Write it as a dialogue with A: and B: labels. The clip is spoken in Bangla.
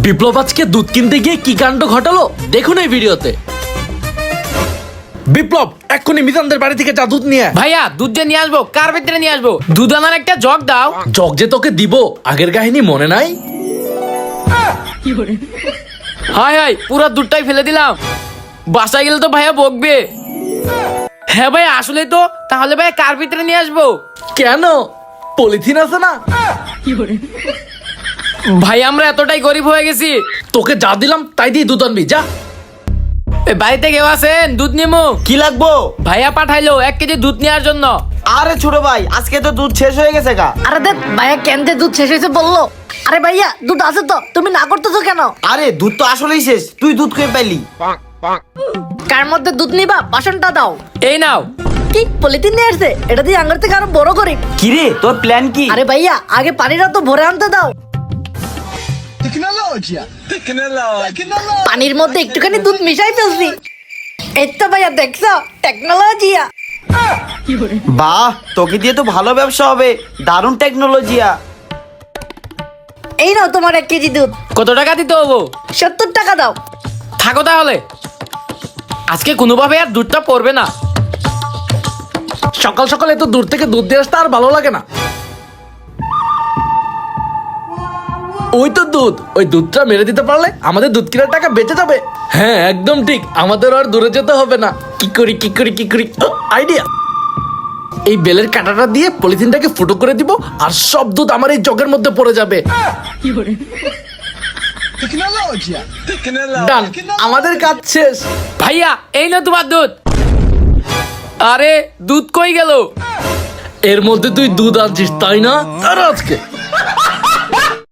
A: বিপ্লব আজকে দুধ কিনতে গিয়ে কি কাণ্ড ঘটালো দেখুন এই ভিডিওতে। বিপ্লব এক্ষুনি মিজানদের বাড়ি থেকে যা দুধ নিয়ে আয়।
B: ভাইয়া দুধ যে নিয়ে আসবো, কার ভিতরে নিয়ে আসবো? দুধ আনার একটা জগ দাও।
A: জগ যে তোকে দিব আগের কাহিনী মনে নাই?
B: হাই হাই, পুরো দুধটাই ফেলে দিলাম। বাসায় গেলে তো ভাইয়া বকবে। হ্যাঁ ভাই আসলে তো, তাহলে ভাইয়া কার ভিতরে নিয়ে আসবো?
A: কেন পলিথিন আছে না?
B: ভাই আমরা এতটাই গরিব হয়ে গেছি।
A: তোকে যা দিলাম তাই দিয়ে দুধ আনবি যা।
B: এ, বাড়িতে কেউ আছেন? দুধ নিমু।
C: কি লাগবো?
B: ভাইয়া পাঠাইলো 1 কেজি দুধ নেওয়ার জন্য।
C: আরে ছোট ভাই, আজকে তো দুধ শেষ হয়ে গেছে গা।
D: আরে দেখ ভাইয়া কেনতে দুধ শেষ হয়েছে বললো। আরে ভাইয়া দুধ আছে তো, তুমি না করতেছো কেন?
C: আরে দুধ তো আসলেই শেষ, তুই দুধ খেয়ে পাইলি?
D: কার মধ্যে দুধ নিবা বাসনটা দাও।
B: এই নাও।
D: কি পলিথিন নিয়ে আসছে? এটা দিয়ে আঙ্গার থেকে আরো বড় করি।
C: কিরে তোর প্ল্যান কি?
D: আরে ভাইয়া আগে পানিটা তো ভরে আনতে দাও। পানির মধ্যে একটুখানি দুধ মিশাই ফেলছি। এই তো ভাইয়া দেখছো টেকনোলজিয়া।
C: বাহ, তোকে দিয়ে তো ভালো ব্যবসা হবে, দারুণ টেকনোলজিয়া।
D: এই নাও তোমার 1 কেজি দুধ।
B: কত টাকা দিতে হবো?
D: 70 টাকা দাও।
B: থাকো তাহলে, আজকে কোনোভাবে আর দুধটা পড়বে না।
A: সকাল সকাল এত দূর থেকে দুধ দিয়ে আসতে আর ভালো লাগে না। ওই তো দুধ, ওই দুধটা মেরে দিতে পারলে আমাদের দুধ কেনার টাকা বেঁচে যাবে। হ্যাঁ একদম ঠিক, আমাদের আর দূরে যেতে হবে না। কি করি আইডিয়া। এই বেলের কাঁটাটা দিয়ে পলিথিনটাকে ফুটো করে দিব আর সব দুধ আমার এই জগের মধ্যে পড়ে যাবে। ডান, আমাদের কাজ শেষ।
B: ভাইয়া এই না তোমার দুধ। আরে দুধ কই গেল?
A: এর মধ্যে তুই দুধ আনছিস তাই না? আর আজকে